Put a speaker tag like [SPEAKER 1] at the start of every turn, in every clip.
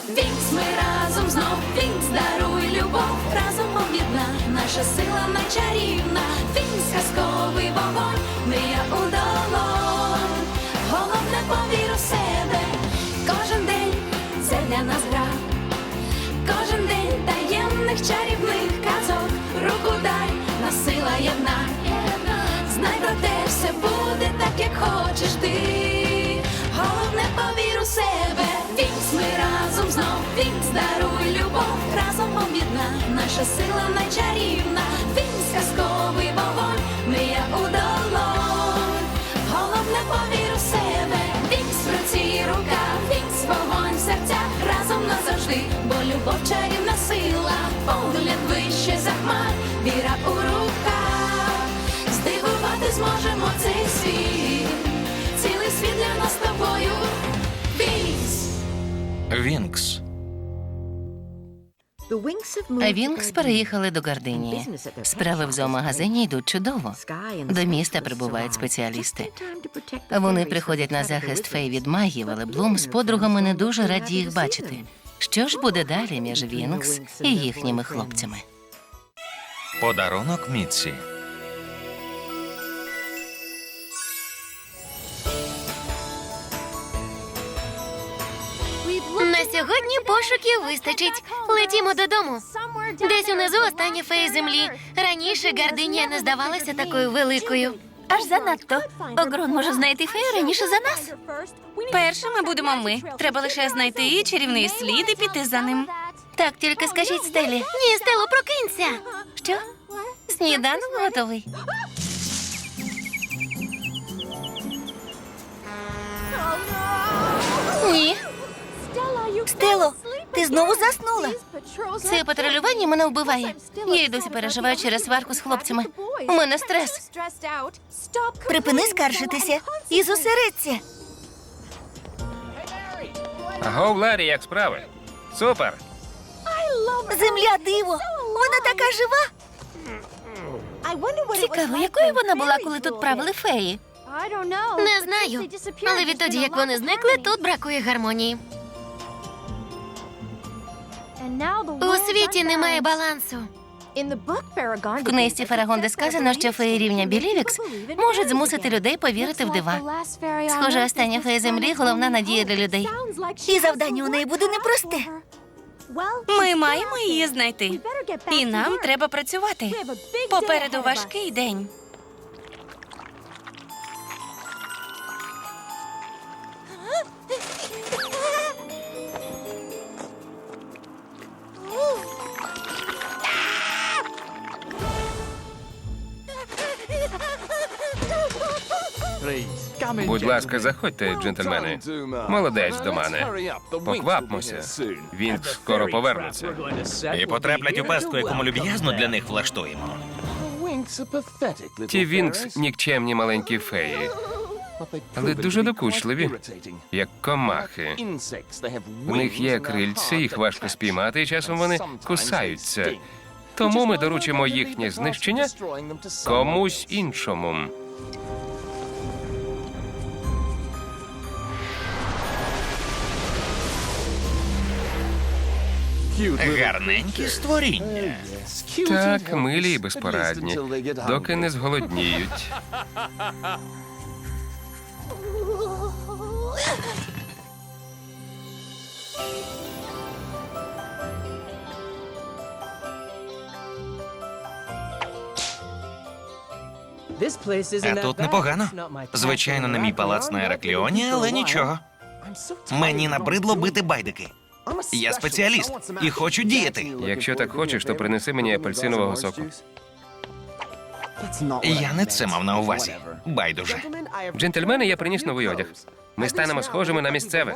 [SPEAKER 1] Вінкс, ми разом знов. Вінкс, даруй любов. Разом об'єдна, наша сила найчарівна. Вінкс, казковий вогонь, мрія у долонь. Головне, повір у себе. Кожен день це для нас гра. Кожен день таємних чарівних казок. Руку дай, нас сила єдна. Знай про те, все буде так, як хочеш ти. Головне, повір у себе. Вінкс, ми разом знов. Вінкс, даруй любов. Разом об'єдна, наша сила найчарівна. Вінкс, казковий вогонь, мрія у долонь. Головне, повір у себе. Вінкс, в руці рука. Вінкс, вогонь в серцях. Разом назавжди, бо любов чарівна сила. Погляд вище за хмар, віра у руках. Здивувати зможемо цей світ. Цілий світ для нас з тобою. Вінкс.
[SPEAKER 2] Вінкс.
[SPEAKER 3] Вінкс переїхали до Гардинії. Справи в зоомагазині йдуть чудово. До міста прибувають спеціалісти. Вони приходять на захист фей від магів, але Блум з подругами не дуже раді їх бачити. Що ж буде далі між Вінкс і їхніми хлопцями?
[SPEAKER 2] Подарунок Мітсі.
[SPEAKER 4] На сьогодні пошуків вистачить. Летімо додому. Десь унизу остання фея землі. Раніше Гардинія не здавалася такою великою.
[SPEAKER 5] Аж занадто. Огрон може знайти фею раніше за нас.
[SPEAKER 6] Першими будемо ми. Треба лише знайти чарівний слід і піти за ним.
[SPEAKER 3] Так, тільки скажіть Стелі.
[SPEAKER 4] Ні, Стело, прокинься.
[SPEAKER 3] Що? Сніданок готовий. Ні,
[SPEAKER 5] Стело, ти знову заснула.
[SPEAKER 3] це патрулювання мене вбиває. Я й досі переживаю через сварку з хлопцями. У мене стрес.
[SPEAKER 5] Припини скаржитися і зосередься.
[SPEAKER 7] Агов, Ларі, як справи? Супер!
[SPEAKER 5] Земля диво. Вона така жива.
[SPEAKER 3] Цікаво, якою вона була, коли тут правили феї?
[SPEAKER 4] Не знаю. Але відтоді, як вони зникли, тут бракує гармонії. У світі немає балансу.
[SPEAKER 3] В книзі Фарагонди сказано, що феї рівня Білівікс можуть змусити людей повірити в дива. Схоже, остання фея землі – головна надія для людей.
[SPEAKER 5] І завдання у неї буде непросте.
[SPEAKER 6] Ми маємо її знайти. І нам треба працювати. Попереду важкий день.
[SPEAKER 7] Будь ласка, заходьте, джентльмени. Молодець до мене. Поквапмося. Він скоро повернеться.
[SPEAKER 2] І потраплять у пастку, яку ми люб'язно для них влаштуємо.
[SPEAKER 7] Ті Вінкс – нікчемні маленькі феї, але дуже докучливі, як комахи. У них є крильці, їх важко спіймати, і часом вони кусаються. Тому ми доручимо їхнє знищення комусь іншому.
[SPEAKER 2] Гарненькі створіння.
[SPEAKER 7] Так, милі і безпорадні, доки не зголодніють.
[SPEAKER 2] А тут непогано. Звичайно, не мій палац на Еракліоні, але нічого. Мені набридло бити байдики. Я спеціаліст і хочу діяти.
[SPEAKER 7] Якщо так хочеш, то принеси мені апельсинового соку.
[SPEAKER 2] Я не це мав на увазі. Байдуже.
[SPEAKER 7] Джентльмени, я приніс новий одяг. Ми станемо схожими на місцевих.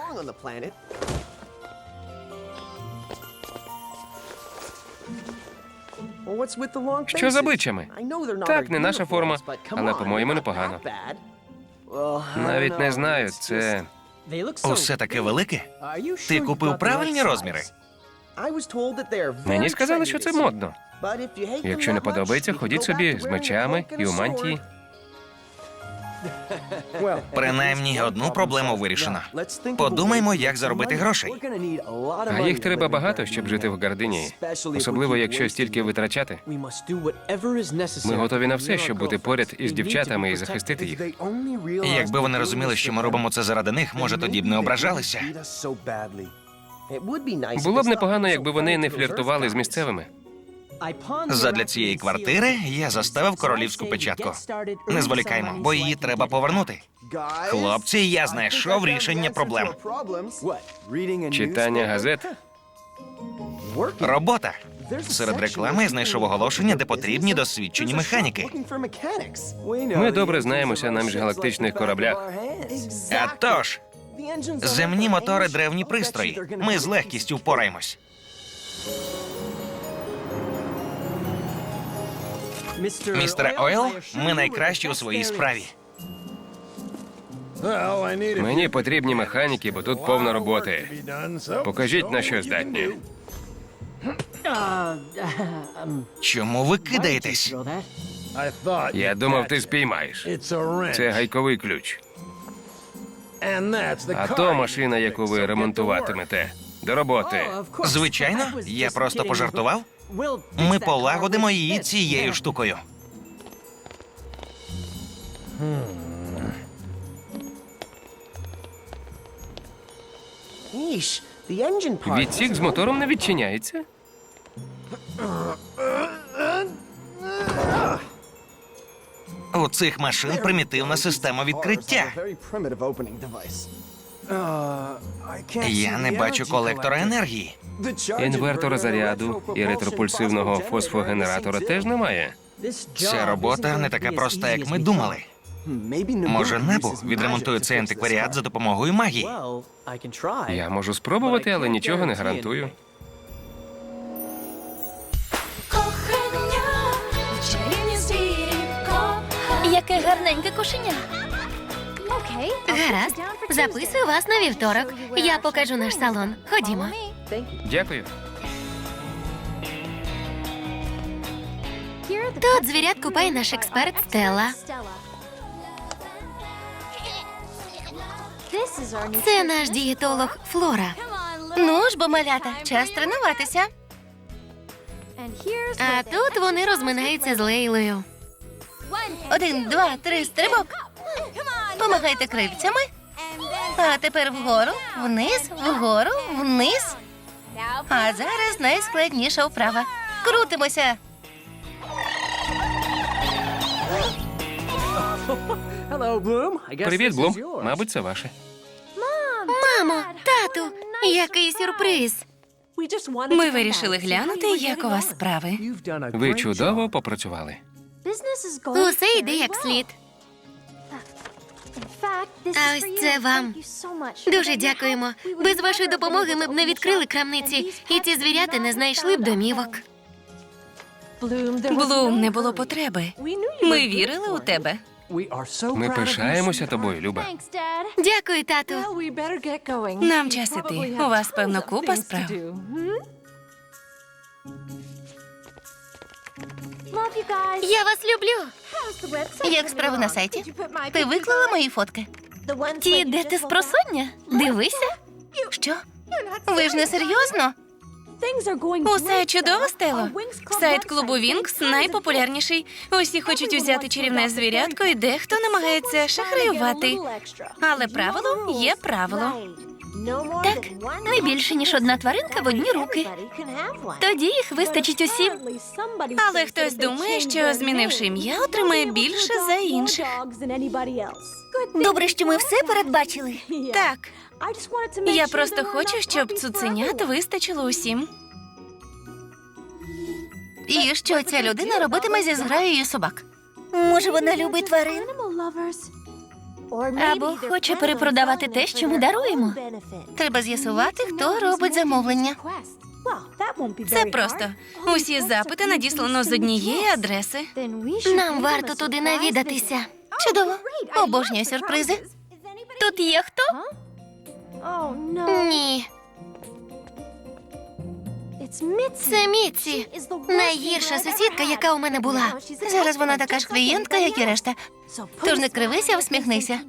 [SPEAKER 7] Що з обличчями? Так, не наша форма, але, по-моєму, непогано. Навіть не знаю, це...
[SPEAKER 2] Усе таке велике? Ти купив правильні розміри?
[SPEAKER 7] Мені сказали, що це модно. Якщо не подобається, ходіть собі з мечами і у мантії.
[SPEAKER 2] Принаймні, одну проблему вирішено. Подумаймо, як заробити грошей.
[SPEAKER 7] А їх треба багато, щоб жити в Гардинії. Особливо, якщо стільки витрачати. Ми готові на все, щоб бути поряд із дівчатами і захистити їх.
[SPEAKER 2] Якби вони розуміли, що ми робимо це заради них, може, тоді б не ображалися.
[SPEAKER 7] Було б непогано, якби вони не фліртували з місцевими.
[SPEAKER 2] Задля цієї квартири я заставив королівську печатку. Не зволікаймо, бо її треба повернути. Хлопці, я знайшов рішення проблем.
[SPEAKER 7] Читання газет.
[SPEAKER 2] Робота. Серед реклами я знайшов оголошення, де потрібні досвідчені механіки.
[SPEAKER 7] Ми добре знаємося на міжгалактичних кораблях.
[SPEAKER 2] А тож, земні мотори – древні пристрої. Ми з легкістю впораємось. Містере Ойл, ми найкращі у своїй справі.
[SPEAKER 7] Мені потрібні механіки, бо тут повно роботи. Покажіть, на що здатні.
[SPEAKER 2] Чому ви кидаєтесь?
[SPEAKER 7] Я думав, ти спіймаєш. Це гайковий ключ. А то машина, яку ви ремонтуватимете. До роботи.
[SPEAKER 2] Звичайно, я просто пожартував. Ми полагодимо її цією штукою.
[SPEAKER 7] Відсік з мотором не відчиняється.
[SPEAKER 2] У цих машин примітивна система відкриття. Я не бачу колектора енергії.
[SPEAKER 7] Інвертора заряду і ретропульсивного фосфогенератора теж немає.
[SPEAKER 2] Ця робота не така проста, як ми думали. Може, небо відремонтує цей антикваріат за допомогою магії?
[SPEAKER 7] Я можу спробувати, але нічого не гарантую.
[SPEAKER 1] Кохання, чарівні звірі, кохання.
[SPEAKER 5] Яке гарненьке кошеня.
[SPEAKER 4] Гаразд, записую вас на вівторок. Я покажу наш салон. Ходімо.
[SPEAKER 7] Дякую.
[SPEAKER 4] Тут звірят купає наш експерт Стелла. Це наш дієтолог Флора.
[SPEAKER 3] Ну ж бо, малята, час тренуватися.
[SPEAKER 4] А тут вони розминаються з Лейлою.
[SPEAKER 3] 1, 2, 3, стрибок. Помагайте крильцями. А тепер вгору, вниз, вгору, вниз. А зараз найскладніша вправа. Крутимося.
[SPEAKER 7] Привіт, Блум. Мабуть, це ваше.
[SPEAKER 4] Мамо, тату, який сюрприз.
[SPEAKER 6] Ми вирішили глянути, як у вас справи.
[SPEAKER 7] Ви чудово попрацювали.
[SPEAKER 4] Усе йде як слід.
[SPEAKER 1] А ось це вам.
[SPEAKER 4] Дуже дякуємо. Без вашої допомоги ми б не відкрили крамниці, і ці звіряти не знайшли б домівок.
[SPEAKER 6] Блум, не було потреби. Ми вірили у тебе.
[SPEAKER 7] Ми пишаємося тобою, Люба.
[SPEAKER 4] Дякую, тату.
[SPEAKER 6] Нам час іти. У вас, певно, купа справ.
[SPEAKER 4] Я вас люблю.
[SPEAKER 3] Як справи на сайті? Ти виклала мої фотки?
[SPEAKER 5] Ті, де ти спросоння? Дивися.
[SPEAKER 3] Що? Ви ж не серйозно?
[SPEAKER 6] Усе чудово, Стело. Сайт клубу Вінкс найпопулярніший. Усі хочуть узяти чарівне звірятко, і дехто намагається шахраювати. Але правило є правило.
[SPEAKER 5] Так, не більше, ніж одна тваринка в одні руки. Тоді їх вистачить усім.
[SPEAKER 6] Але хтось думає, що змінивши ім'я, отримає більше за інших.
[SPEAKER 5] Добре, що ми все передбачили.
[SPEAKER 6] Так, я просто хочу, щоб цуценят вистачило усім.
[SPEAKER 3] І що ця людина робитиме зі зграєю собак?
[SPEAKER 5] Може, вона любить тварин? Або хоче перепродавати те, що ми даруємо.
[SPEAKER 3] Треба з'ясувати, хто робить замовлення.
[SPEAKER 6] Це просто. Усі запити надіслано з однієї адреси.
[SPEAKER 4] Нам варто туди навідатися.
[SPEAKER 3] Чудово. Обожнюю сюрпризи.
[SPEAKER 5] Тут є хто?
[SPEAKER 4] Ні. Це Мітсі, найгірша сусідка, яка у мене була.
[SPEAKER 3] Зараз вона така ж клієнтка, як і решта. Тож не кривися, а всміхнися.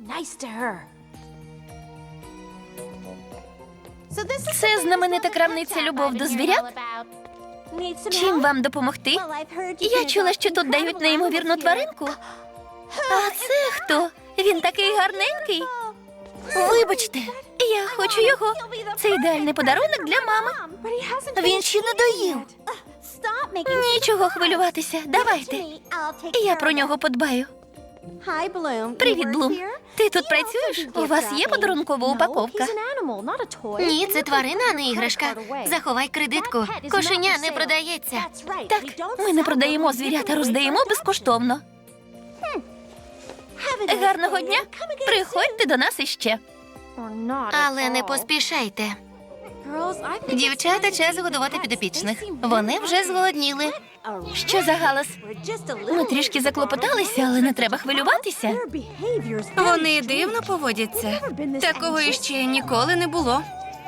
[SPEAKER 5] Це знаменита крамниця «Любов до звірят». Чим вам допомогти? Я чула, що тут дають неймовірну тваринку. А це хто? Він такий гарненький. Вибачте, я хочу його. Це ідеальний подарунок для мами. Він ще не доїв. Нічого хвилюватися. Давайте. Я про нього подбаю. Привіт, Блум. Ти тут працюєш? У вас є подарункова упаковка?
[SPEAKER 4] Ні, це тварина, а не іграшка. Заховай кредитку. Кошеня не продається.
[SPEAKER 5] Так, ми не продаємо звірята, роздаємо безкоштовно. Гарного дня. Приходьте до нас іще.
[SPEAKER 4] Але не поспішайте.
[SPEAKER 3] Дівчата, час годувати підопічних. Вони вже зголодніли.
[SPEAKER 5] Що за галас? Ми трішки заклопоталися, але не треба хвилюватися.
[SPEAKER 6] Вони дивно поводяться. Такого іще ніколи не було.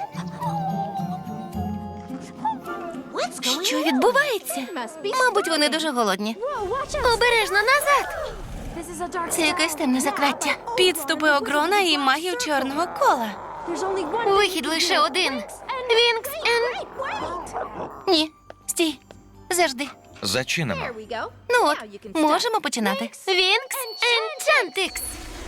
[SPEAKER 5] Що відбувається?
[SPEAKER 3] Мабуть, вони дуже голодні.
[SPEAKER 4] Обережно назад.
[SPEAKER 3] Це якесь темне закляття.
[SPEAKER 6] Підступи Огрона і магів чорного кола.
[SPEAKER 4] Вихід лише один. Вінкс ен...
[SPEAKER 3] Ні, стій. Завжди.
[SPEAKER 2] Зачинимо.
[SPEAKER 3] Ну от, можемо починати.
[SPEAKER 4] Вінкс Енчантикс.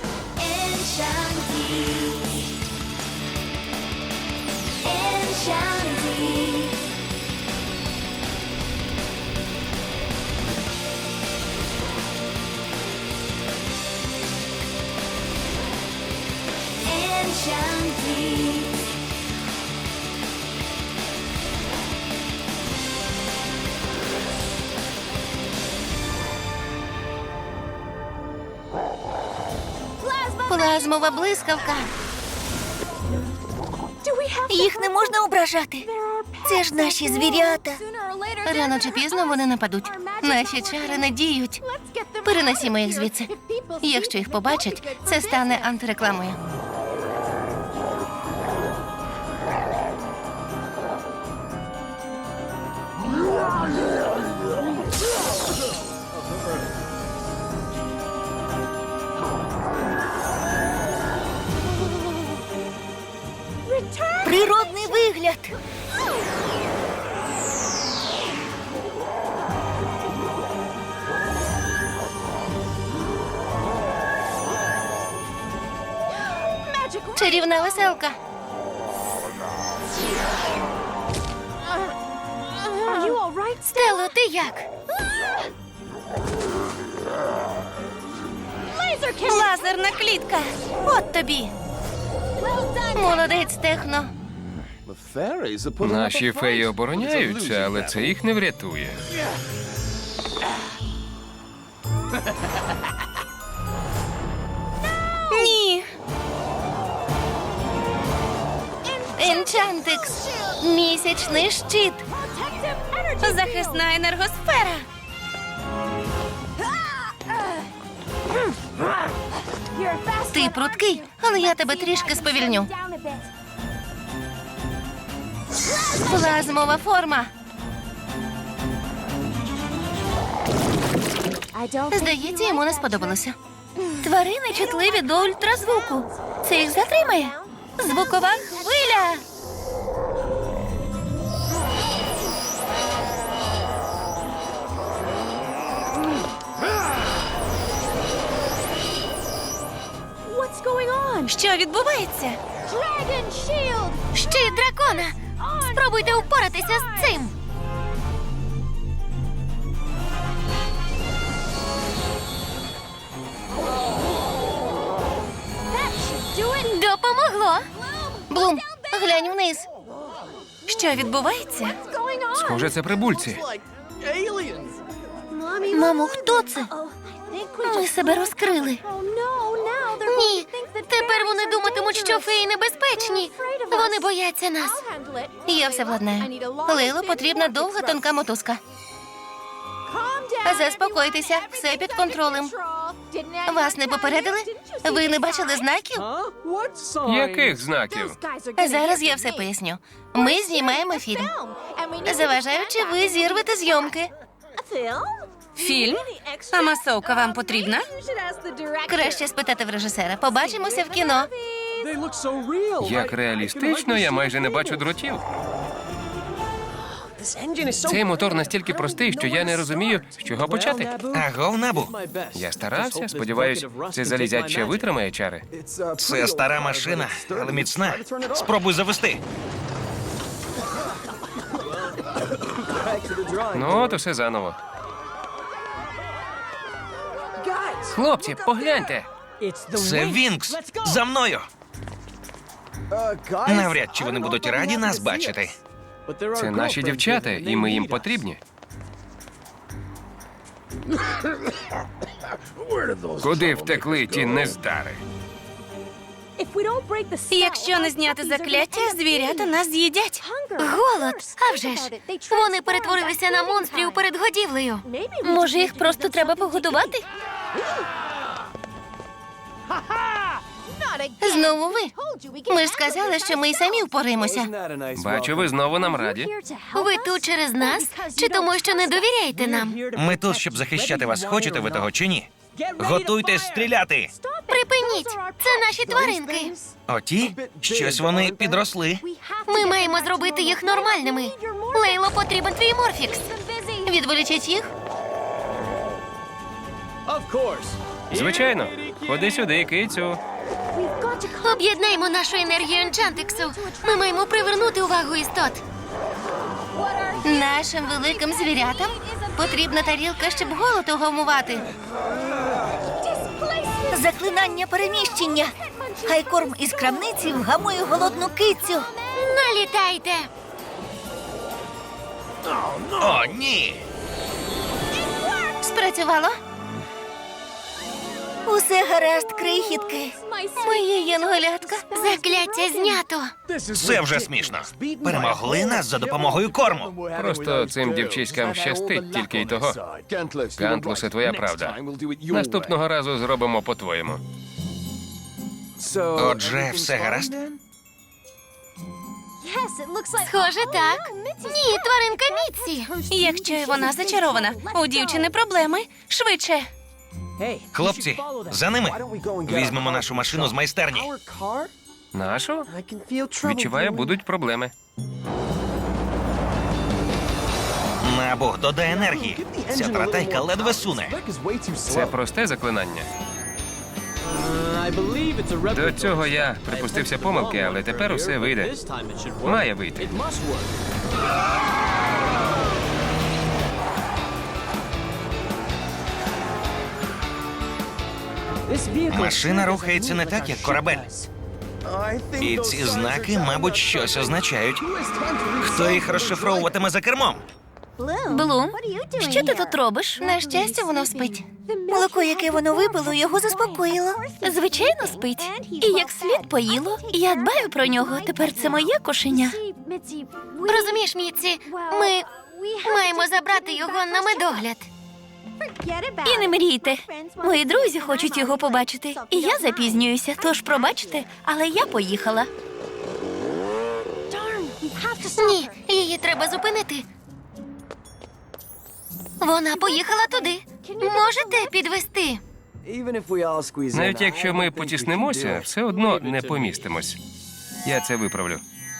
[SPEAKER 3] Плазмова блискавка.
[SPEAKER 5] Їх не можна ображати. Це ж наші звірята.
[SPEAKER 3] Рано чи пізно вони нападуть. Наші чари не діють. Перенесімо їх звідси. Якщо їх побачать, це стане антирекламою.
[SPEAKER 5] Природний вигляд.
[SPEAKER 3] Чарівна веселка.
[SPEAKER 4] Стело, ти як?
[SPEAKER 6] Лазерна клітка. От тобі.
[SPEAKER 3] Молодець, Техно.
[SPEAKER 7] Наші феї обороняються, але це їх не врятує.
[SPEAKER 6] Ні.
[SPEAKER 3] Енчантикс. Місячний щит.
[SPEAKER 6] Захисна енергосфера.
[SPEAKER 3] Ти пруткий, але я тебе трішки сповільню. Плазмова форма. Здається, йому не сподобалося.
[SPEAKER 5] Тварини чутливі до ультразвуку. Це їх затримає. Звукова хвиля.
[SPEAKER 6] Що відбувається?
[SPEAKER 4] Щит дракона. Спробуйте впоратися з цим. Допомогло.
[SPEAKER 3] Блум, глянь вниз.
[SPEAKER 6] Що відбувається?
[SPEAKER 7] Схоже, це прибульці.
[SPEAKER 5] Мамо, хто це? Ми себе розкрили.
[SPEAKER 4] Ні, тепер вони думатимуть, що феї небезпечні. Вони бояться нас.
[SPEAKER 3] Я все владнаю. Лейло потрібна довга тонка мотузка. Заспокойтеся, все під контролем. Вас не попередили? Ви не бачили знаків?
[SPEAKER 7] Яких знаків?
[SPEAKER 3] Зараз я все поясню. Ми знімаємо фільм. Заважаючи, ви зірвете зйомки.
[SPEAKER 6] Фільм? А масовка вам потрібна?
[SPEAKER 3] Краще спитати в режисера. Побачимося в кіно.
[SPEAKER 7] Як реалістично, я майже не бачу дротів. Цей мотор настільки простий, що я не розумію, з чого почати.
[SPEAKER 2] Агов, Набу.
[SPEAKER 7] Я старався, сподіваюсь, це залізяче витримає чари.
[SPEAKER 2] Це стара машина, але міцна. Спробуй завести.
[SPEAKER 7] Ну, от усе заново. Хлопці, погляньте.
[SPEAKER 2] Це Вінкс. За мною. Навряд чи вони будуть раді нас бачити.
[SPEAKER 7] Це наші дівчата, і ми їм потрібні. Куди втекли ті нездари?
[SPEAKER 6] Якщо не зняти закляття, звірята нас з'їдять.
[SPEAKER 4] Голод, а вже ж. Вони перетворилися на монстрів перед годівлею.
[SPEAKER 5] Може, їх просто треба погодувати?
[SPEAKER 3] Знову ви. Ми ж сказали, що ми й самі впораємося.
[SPEAKER 7] Бачу, ви знову нам раді.
[SPEAKER 4] Ви тут через нас? Чи тому, що не довіряєте нам?
[SPEAKER 2] Ми тут, щоб захищати вас. Хочете ви того чи ні? Готуйтесь стріляти.
[SPEAKER 4] Припиніть! Це наші тваринки.
[SPEAKER 2] Оті? Щось вони підросли.
[SPEAKER 4] Ми маємо зробити їх нормальними. Лейло, потрібен твій морфікс.
[SPEAKER 3] Відволічіть їх.
[SPEAKER 7] Звичайно. Ходи сюди, кицю.
[SPEAKER 4] Об'єднаймо нашу енергію Енчантиксу. Ми маємо привернути увагу істот.
[SPEAKER 3] Нашим великим звірятам потрібна тарілка, щоб голод угамувати.
[SPEAKER 5] Заклинання переміщення. Хай корм із крамниці вгамує голодну кицю.
[SPEAKER 4] Налітайте!
[SPEAKER 2] О, ні.
[SPEAKER 3] Спрацювало?
[SPEAKER 5] Усе гаразд, крихітки.
[SPEAKER 3] Мої янголятка.
[SPEAKER 4] Закляття знято.
[SPEAKER 2] Це вже смішно. Перемогли нас за допомогою корму.
[SPEAKER 7] Просто цим дівчиськам щастить тільки й того. Гантлусе, твоя правда. Наступного разу зробимо по-твоєму.
[SPEAKER 2] Отже, все гаразд?
[SPEAKER 4] Схоже, так. Ні, тваринка Мітсі.
[SPEAKER 6] Якщо і вона зачарована, у дівчини проблеми. Швидше.
[SPEAKER 2] Хлопці, за ними. Візьмемо нашу машину з майстерні.
[SPEAKER 7] Нашу? Відчуваю, будуть проблеми.
[SPEAKER 2] Набу, додай енергії. Ця тратайка ледве суне.
[SPEAKER 7] Це просте заклинання. До цього я припустився помилки, але тепер усе вийде. Має вийти.
[SPEAKER 2] Машина рухається не так, як корабель. І ці знаки, мабуть, щось означають. Хто їх розшифровуватиме за кермом?
[SPEAKER 5] Блум, що ти тут робиш?
[SPEAKER 3] На щастя, воно спить.
[SPEAKER 5] Молоко, яке воно випило, його заспокоїло. Звичайно, спить. І як слід поїло. Я дбаю про нього. Тепер це моє кошеня.
[SPEAKER 4] Розумієш, Мітсі, ми маємо забрати його на медогляд.
[SPEAKER 5] І не мрійте. Мої друзі хочуть його побачити. І я запізнююся, тож пробачте, але я поїхала.
[SPEAKER 4] Ні, її треба зупинити. Вона поїхала туди. Можете підвести?
[SPEAKER 7] Навіть якщо ми потіснемося, все одно не помістимось. Я це виправлю.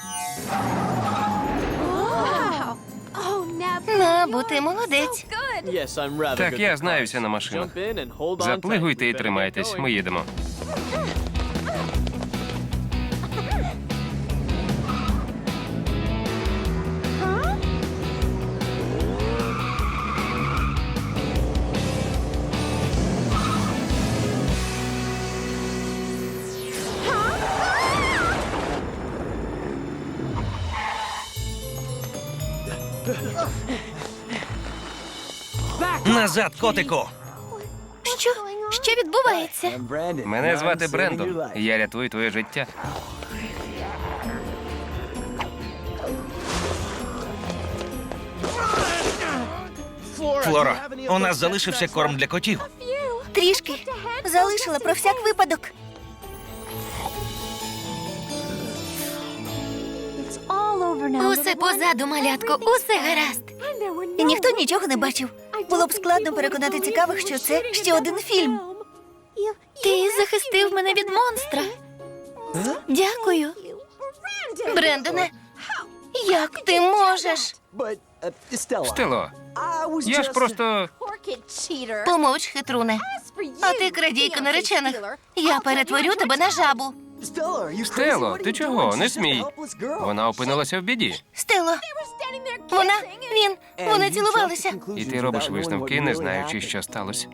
[SPEAKER 3] Набу, ти молодець.
[SPEAKER 7] Так, я знаюся на машинах. Заплигуйте і тримайтесь, ми їдемо.
[SPEAKER 2] Назад, котику!
[SPEAKER 5] Що відбувається?
[SPEAKER 7] Мене звати Брендон. Я рятую твоє життя.
[SPEAKER 2] Флоро, у нас залишився корм для котів.
[SPEAKER 5] Ти Трішки. Залишила про всяк випадок.
[SPEAKER 4] Усе позаду, малятко, усе гаразд.
[SPEAKER 5] І ніхто нічого не бачив. Було б складно переконати цікавих, що це ще один фільм. Ти захистив мене від монстра. Дякую.
[SPEAKER 3] Брендоне, як ти можеш?
[SPEAKER 7] Стело, я ж просто...
[SPEAKER 3] Помовч, хитруне. А ти крадійка наречених. Я перетворю тебе на жабу.
[SPEAKER 7] Стело, ти чого? Не смій. Вона опинилася в біді.
[SPEAKER 3] Стело, вони цілувалися.
[SPEAKER 7] І ти робиш висновки, не знаючи, що сталося.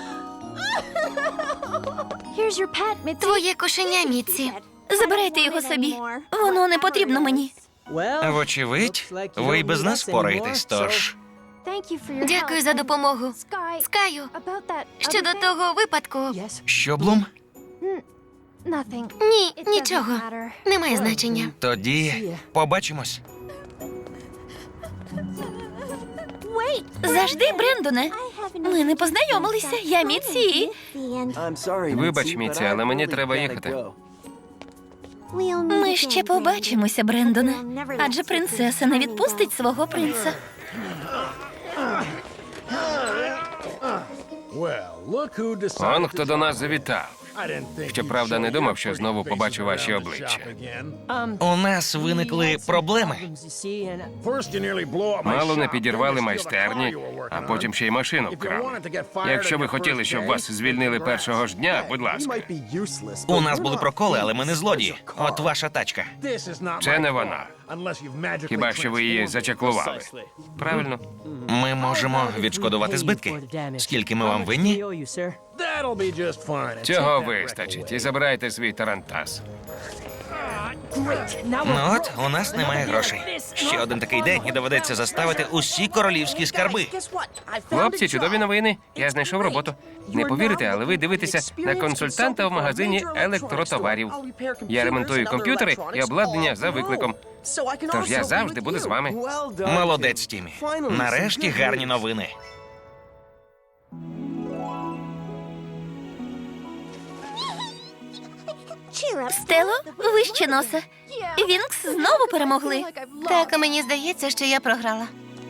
[SPEAKER 4] Твоє кошеня, Мітсі.
[SPEAKER 5] Забирайте його собі. Воно не потрібно мені.
[SPEAKER 2] Вочевидь, ви й без нас впораєтесь, тож...
[SPEAKER 4] Дякую за допомогу. Скаю, щодо того випадку.
[SPEAKER 2] Що, Блум?
[SPEAKER 4] Ні, нічого. Немає значення.
[SPEAKER 2] Тоді побачимось.
[SPEAKER 5] Завжди, Брендоне. Ми не познайомилися. Я Мітсі.
[SPEAKER 7] Вибач, Міці, але мені треба їхати.
[SPEAKER 5] Ми ще побачимося, Брендоне. Адже принцеса не відпустить свого принца.
[SPEAKER 7] Он хто до нас завітав. Щоправда, не думав, що знову побачу ваші обличчя.
[SPEAKER 2] У нас виникли проблеми.
[SPEAKER 7] Мало не підірвали майстерні, а потім ще й машину вкрали. Якщо ви хотіли, щоб вас звільнили першого ж дня, будь ласка.
[SPEAKER 2] У нас були проколи, але ми не злодії. От ваша тачка.
[SPEAKER 7] Це не вона. Хіба що ви її зачаклували. Правильно?
[SPEAKER 2] Ми можемо відшкодувати збитки. Скільки ми вам винні?
[SPEAKER 7] Цього вистачить. І забирайте свій тарантас.
[SPEAKER 2] Ну от, у нас немає грошей. Ще один такий день і доведеться заставити усі королівські скарби.
[SPEAKER 7] Хлопці, чудові новини. Я знайшов роботу. Не повірите, але ви дивитеся на консультанта в магазині електротоварів. Я ремонтую комп'ютери і обладнання за викликом. Тож я завжди буду з вами.
[SPEAKER 2] Молодець, Тімі. Нарешті гарні новини.
[SPEAKER 5] Стело, вище носа. Вінкс знову перемогли.
[SPEAKER 3] Так, мені здається, що я програла.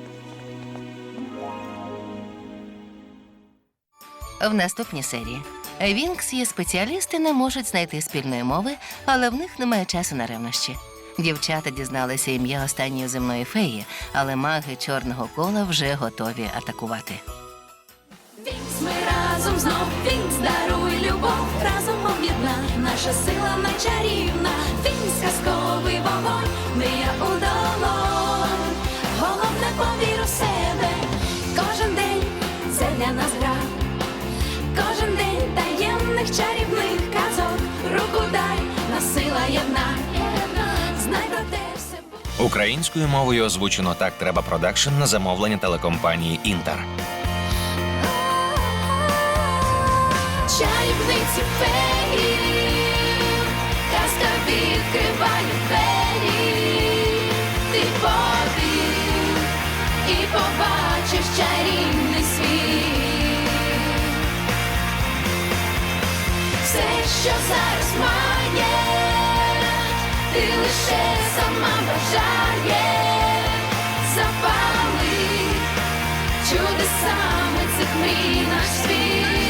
[SPEAKER 3] В наступній серії Вінкс і спеціалісти не можуть знайти спільної мови, але в них немає часу на ревнощі. Дівчата дізналися ім'я останньої земної феї, але маги Чорного кола вже готові атакувати.
[SPEAKER 1] Вінкс, ми разом знов, Вінкс, даруй любов, разом об'єдна, наша сила найчарівна. Вінкс, казковий вогонь, мрія у долонь. Головне, повір у себе, кожен день це для нас гра. Кожен день таємних чарівних казок, руку дай, нас сила єдна. Знай про те все буде.
[SPEAKER 2] Українською мовою озвучено «Так треба продакшн» на замовлення телекомпанії «Інтер».
[SPEAKER 1] Чарівниці феї, казка відкриває двері. Ти повір і побачиш чарівний світ. Все, що зараз маєш, ти лише сама бажаєш. Запали чудесами цих мрій наш світ.